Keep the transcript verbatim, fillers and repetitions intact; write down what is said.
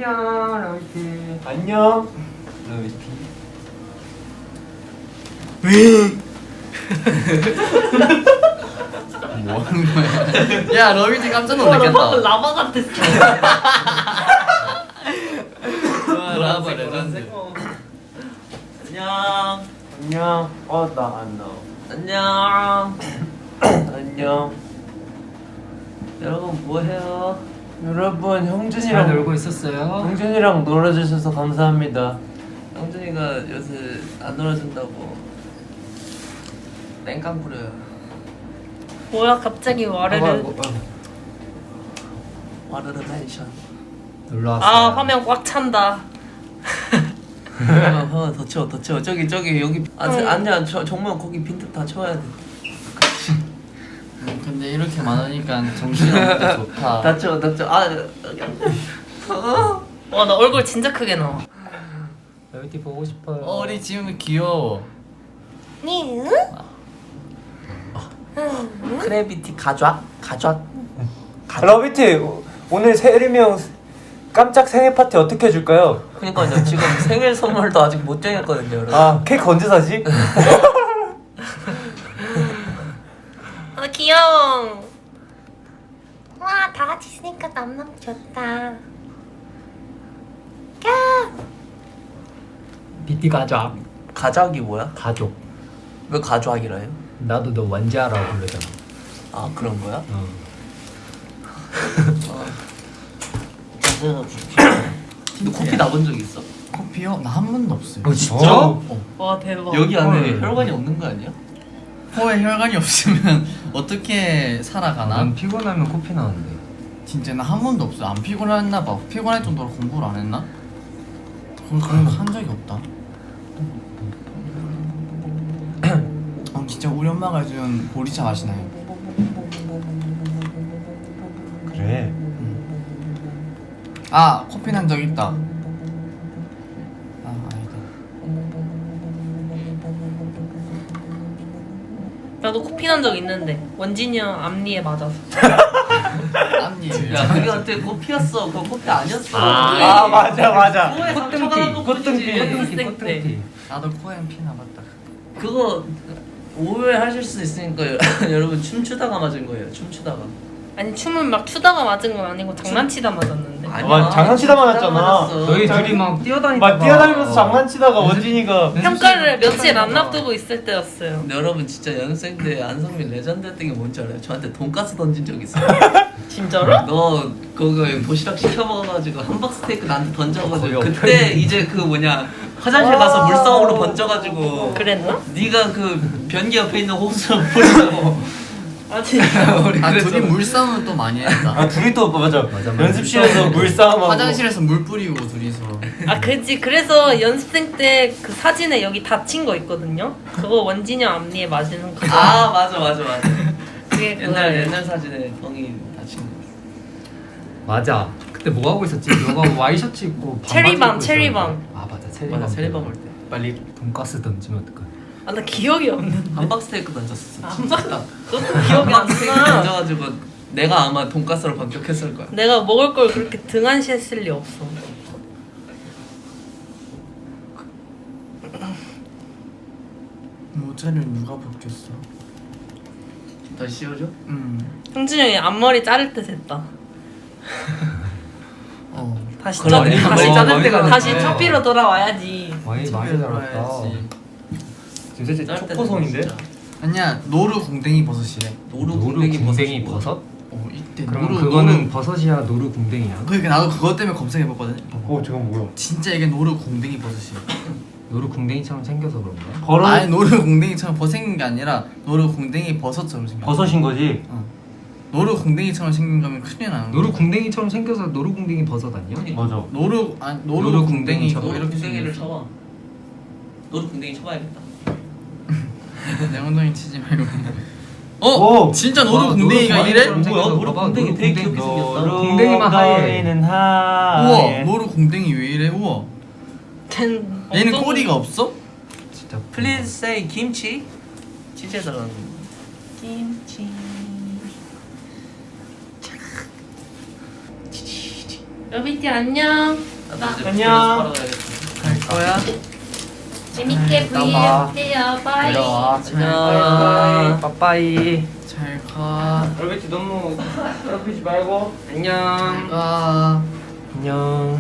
안녕 러비티. 안녕 러비티. 뭐 하는 거야? 야 러비티 깜짝 놀랐겠다. 라바 같았어. 와, 라바 레전드. 안녕. 안녕. 어 나 안 나와. 안녕. 안녕. 여러분 뭐해요? 여러분 잘 형준이랑 놀고 있었어요? 형준이랑 놀아주셔서 감사합니다. 형준이가 요새 안 놀아준다고 땡깡 부려요. 뭐야 갑자기 와르르. 와르르 멘션. 놀러 왔어요. 아 화면 꽉 찬다. 화면 화면 더 채워 더 채워. 저기 저기 여기 아 응. 아니야 저 정말 거기 빈틈 다 채워야 돼. 음, 근데 이렇게 많으니까 정신이 없는데 좋다. 다 채워 다 채워. 아 와 나 얼굴 진짜 크게 나와. 러비티 보고 싶어요. 어, 우리 지금 귀여워. 니? 크래비티 가좌 가좌. 러비티 오늘 세리명 깜짝 생일 파티 어떻게 해줄까요? 그러니까요 지금 생일 선물도 아직 못 정했거든요 여러분. 아 케이크 언제 사지? 아 귀여워. 와 다 같이 있으니까 너무너무 좋다. 까. 비티 가자. 가작이 뭐야? 가족. 왜 가좌기라 해요? 나도 너 원자라고 부르잖아. 아 그런 거야? 어. 너 커피 나본 적 있어? 커피요? 나 한 번도 없어요. 어 진짜? 어. 와 대박. 여기 안에 헐. 혈관이 없는 거 아니야? 코에 혈관이 없으면 어떻게 살아가나? 난 피곤하면 코피 나는데. 진짜 나 한 번도 없어. 안 피곤했나 봐. 피곤할 정도로 공부를 안 했나? 그런 그런 거 한 적이 없다. 어, 진짜 우리 엄마가 해준 보리차 맛이 나요. 그래. 아 커피 난 적 있다. 아 아니다. 나도 코피 난 적 있는데 원진이 형 앞니에 맞아서. 앞니. 야 그게한테 커피였어. 그거 커피 아니었어. 아. 아 맞아 맞아. 코에 상처가 난 꽃등피. 것뿐이지. 연습생 때. 꽃등피. 나도 코에 피 나봤다. 그거 오해하실 수 있으니까 여러분 춤추다가 맞은 거예요. 춤추다가. 아니 춤을 막 추다가 맞은 건 아니고 장난치다 맞았는데. 아, 장난치다 맞았잖아. 맞았어. 너희 저기- 둘이 막 뛰어다니다가 막 뛰어다니면서 장난치다가 원진이가 평가를 며칠 안 놔두고 있을 때였어요. 근데 여러분 진짜 연습생 때 안성민 레전드였던 게 뭔지 알아요? 저한테 돈가스 던진 적 있어요. 진짜로? 너 그거 도시락 시켜 먹어가지고 함박 스테이크 나한테 던져가지고 거의 그때 이제 그 뭐냐 화장실 가서 물방울로 번져가지고 그랬나? 네가 그 변기 옆에 있는 호수를 뿌리고 아 진짜. 우리 아 그래서 둘이 물싸움을 또 많이 했다. 아 둘이 또 맞아, 맞아, 맞아. 연습실에서 물싸움하고 화장실에서 물 뿌리고 둘이서. 아 그지. 그래서 연습생 때 그 사진에 여기 다친 거 있거든요. 그거 원진이 형 앞니에 맞는 거. 아 맞아 맞아 맞아 그게 옛날 그거예요. 옛날 사진에 뻥이 다친 거 맞아. 그때 뭐 하고 있었지? 너가 와이셔츠 입고 반바지 체리밤, 입고 체리밤. 있었는데. 아 맞아 체리밤. 맞아 세리밤 올때 빨리 돈가스 던지면 어떡해? 아 나 기억이 없는데. 함박 스테이크 던졌었어 함박- 딱 그것도 기억이 안 함박 스테이크 나. 던져가지고 내가 아마 돈가스로 반격했을 거야. 내가 먹을 걸 그렇게 등한시했을 리 없어. 모자를 누가 벗겼어? 다시 씌워줘? 음. 형준이 형이 앞머리 자를 때 됐다. 어. 다시 그러네. 짜- 앞머리 다시 자를 때가 다시 됐네. 차피로 돌아와야지. 많이 많이 잘했다. 지금 사실 짤 때는 초코송인데? 진짜. 아니야 노루 공댕이 버섯이래. 노루 노루 궁뎅이 궁뎅이 버섯이 버섯? 어 이때 그럼 노루 그거는 노루. 버섯이야 노루 궁뎅이야? 그러니까 나도 그것 때문에 검색해봤거든. 어 저건 뭐야? 진짜 이게 노루 공댕이 버섯이야. 노루 궁뎅이처럼 생겨서 그런가? 버릇 아니 노루 공댕이처럼 버 생긴 게 아니라 노루 공댕이 버섯처럼 생겼어. 버섯인 거지? 어. 노루 공댕이처럼 생긴 거면 큰일 나는 거야. 노루 궁뎅이처럼 생겨서 노루 궁뎅이 버섯 아니야? 맞아. 노루 아니 노루, 노루 궁뎅이고 궁뎅이처럼. 노루 이렇게 궁뎅이를 생겼어. 쳐봐. 노루 궁뎅이 쳐봐야겠다. 내 엉덩이 치지 말고. 어? 오! 진짜 와, 노루 궁뎅이가 노루 이래? 궁뎅이처럼 뭐야? 생겨서 노루 봐봐, 궁뎅이 노루 되게 궁뎅이. 귀엽게 생겼다. 노루 궁뎅이만 하얘. 엉덩이는 우와 하얘. 노루 궁뎅이 왜 이래? 우와 된 얘는 엉덩이- 꼬리가 없어? 진짜 Please say 김치. 치즈에 들어가는 김치. 러비티 안녕. 나도 이제 안녕. 불러서 바로 가야겠다. 갈 거야? 재밌게 이따 브이앱 봐. 해요. 바이. 내려와. 안녕. 빠빠이. 잘 가. 얼베티 너무 괴롭히지 말고. 잘 안녕. 가. 안녕.